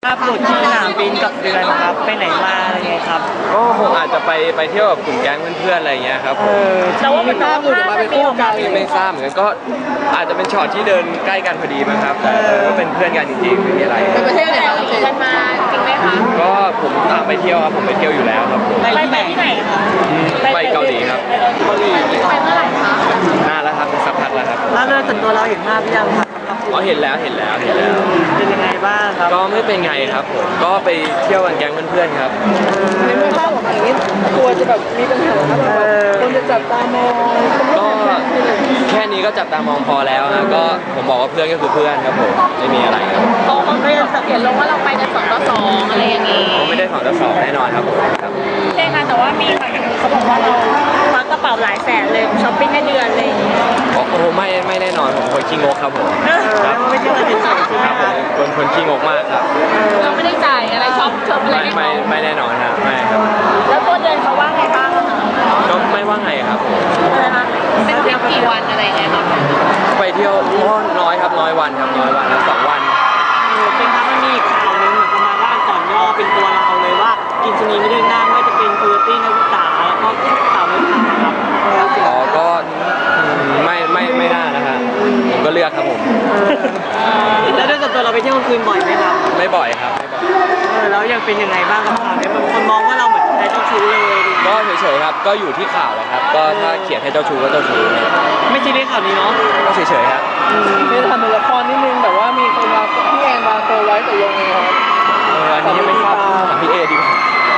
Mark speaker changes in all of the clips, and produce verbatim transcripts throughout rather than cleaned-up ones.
Speaker 1: ภาพหลุดที่สนามบินกับเดือนครับไปไหนมาอะไรเงี้ยครับ
Speaker 2: ก็คงอาจจะไปไปเที่ยวกับกลุ่มแก๊งเพื่อนๆอะไรเงี้ยครับผม
Speaker 1: แต่ว่ามันภาพหลุดออกมาเป็นคู่กัน
Speaker 2: ไม่ทราบเหมือนกันก็อาจจะเป็นช็อตที่เดินใกล้กันพอดีมั้งครับแต่ก็เป็นเพื่อนกันจริงๆไม่มีอะไร
Speaker 3: ไปประเทศไหนครับเจนมาจริงไหมคะ
Speaker 2: ก็ผมตามไปเที่ยวครับผมไปเที่ยวอยู่แล้วครับผม
Speaker 1: ไปที่ไหนคะ
Speaker 2: ไปเกาหลีครับ
Speaker 1: เกาหลี
Speaker 3: ไปเมื่อไหร่คะ
Speaker 2: นานแล้วครับสักพักแล้วครับ
Speaker 1: แล้วเรื่องส่วนตัวเราเห็นภาพหรือยังครับ
Speaker 2: อ๋อเห็นแล้วเห็นแล้วเห็นแล้ว
Speaker 1: เป็นยังไงบ้างครับ
Speaker 2: ก็ไม่เป็นไงครับผมก็ไปเที่ยวกันแก๊งเพื่อนๆครับ
Speaker 3: ในเมื่อภาพออกมาอย่างนี้กลัวจะแบบมีปัญหาครับแบบคนจะจับตามอง
Speaker 2: ก็แค่นี้ก็จับตามองพอแล้วนะก็ผมบอกว่าเพื่อนก็คือเพื่อนครับผมไม่มีอะไรครับ
Speaker 3: โตบางทีสังเกตลงว่าเราไปกันสองต่อสองอะไรอย่างนี้
Speaker 2: ผมไม่ได้สองต่อสองแน่นอนครับผมครับ
Speaker 3: ใช่ค่ะแต่ว่ามีบางอย่างเขาบอกว่าเราควักกระเป๋าหลายแสนเลยช้อปปิ้งได้เดือนเลย
Speaker 2: โอ้โหไม่ไม่แน่นอนผมคนขี้งกครับผม
Speaker 1: ครับไม่ใช่คนเฉยๆใช่ไหม
Speaker 2: ครับผมคนคนขี้งกมากครับ
Speaker 3: เราไม่ได้จ่ายอะไรช็อปช็อปอะไร
Speaker 2: ไม่ไม่ไม่แน่นอนครับไม่ครับ
Speaker 3: แล้วตัวเดือนเขาว่าไงบ้าง
Speaker 2: ก็ไม่ว่าไงครับ
Speaker 3: เป็นทริปกี่วันอะไรเงี้ยครับ
Speaker 2: ไปเที่ยวน้อยครับน้อยวันครับน้อยวันครับสองวัน
Speaker 1: เป็นครับมันมีอีกข่าวนึงเหมือนประมาณว่าก่อนย่อเป็นตัวเราเลยว่ากินชนีไม่ได้นั่งไม่จะเป็นคูตี้นักศึกษาแล้วก็ข่าวไม่ผ่านครับ
Speaker 2: อ๋อก็ไม่ไม่ไม่น่านะฮะผมก็เลือกครับผม
Speaker 1: แล้วด้วยส่วนตัวเราไปเที่ยวคืนบ่อยไหมครับ
Speaker 2: ไม่บ่อยครับไม่บ่อย
Speaker 1: แล้วยังเป็นยังไงบ้างกับข่าวนี้บางคนมองว่าเราเหมือนใครเจ้าชู้เลย
Speaker 2: ก็เฉยๆครับก็อยู่ที่ข่าวแหละครับก็ถ้าเขียนให้เจ้าชู้ก็เจ้าชู้
Speaker 1: ไม่ใช่เรื่องข่าวนี้เนาะ
Speaker 2: ก็เฉยๆครับ
Speaker 3: ไม่ทำเป็นละครนิดนึงแต่ว่ามีคนมาพี่แอนมาโตไว้แต่ยังไงครับ
Speaker 2: เอออันนี้ยังไม่ทราบถามพี่เอดีกว่า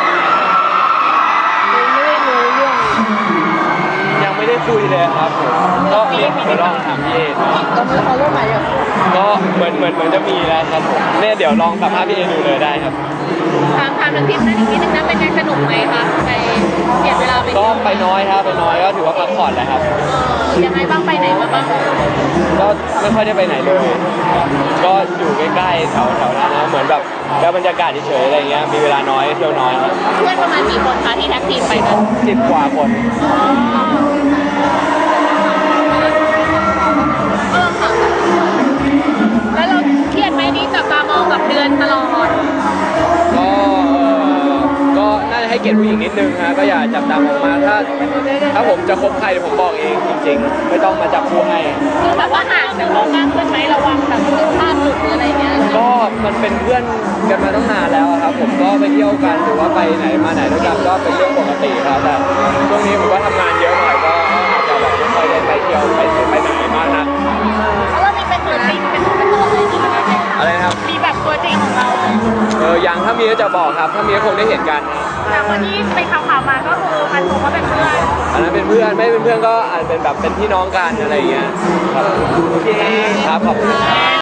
Speaker 3: ไม่ได้รู้เรื่อง
Speaker 2: ยังไม่ได้คุยเลยครับผมก็เดี๋ยวลองถามพี่เอ
Speaker 3: เราไม่เอาเรื่องไหนอ่ะ
Speaker 2: ก็เหมือนเหมือนเหมือนจะมีแล้วครับผมเนี่ยเดี๋ยวลองสัมภาษณ์พี่เอดูเลยได้ครับ
Speaker 3: ถามถามถึงทริปนั้นอีกนิดนึงนะเป็นไงสนุกไหมคะไปเปลี่ยนเวลาไป
Speaker 2: ก็ไปน้อยครับไปน้อยก็ถือว่าพักผ่อนแหละครับ
Speaker 3: ยังไงบ้างไปไหนมาบ้าง
Speaker 2: ก็ไม่ค่อยได้ไปไหนเลยก็อยู่ใกล้ๆแถวแถวนั้นนะเหมือนแบบแล้วบรรยากาศเฉยๆอะไรเงี้ยมีเวลาน้อยเที่ยวน้อย
Speaker 3: เพื่อนประมาณกี่คนคะที่แท็กทีมไปกัน
Speaker 2: สิบกว่าคน
Speaker 3: เออค่ะแล้วเราเครียดไหมนี่จับตามองกับเดือนตลอด
Speaker 2: ก็ก็น่าจะให้เกียรติผู้หญิงนิดนึงฮะก็อย่าจับตามองมาถ้าถ้าผมจะคบใครผมบอกเองจริงๆไม่ต้องมาจับคู่ให้
Speaker 3: คือแบบว่าห่างจากเรามากขึ้นไหมระวังแบบภาพหลุดหรืออะไรเงี้ย
Speaker 2: ก็มันเป็นเพื่อนกันมาตั้งนานแล้วครับผมก็ไปเที่ยวกันหรือว่าไปไหนมาไหนด้วยกันก็เป็นเรื่องปกติครับแต่ช่วงนี้ผมก็ทำงานเยอะหน่อยก็อาจจะแบบไม่ค่อยได้ไปเที่ยวไปไปไหนมากนัก
Speaker 3: แล้วเรามีเป็นตัวจริงเป็นตัวเป็นตัวอะไรอย่างเงี้ย
Speaker 2: อะไรครับ
Speaker 3: มีแบบตัวจริงของเรา
Speaker 2: เออยังถ้ามีก็จะบอกครับถ้ามีก็คงได้เห็นกัน
Speaker 3: แต่คนที่ไปข่าวๆมาก็คือมันคงว่าเป็นเพื่อน
Speaker 2: อันนั้นเป็นเพื่อนไม่เป็นเพื่อนก็อาจเป็นแบบเป็นพี่น้องกันอะไรอย่างเงี้ยครับโอเคครับขอบคุณ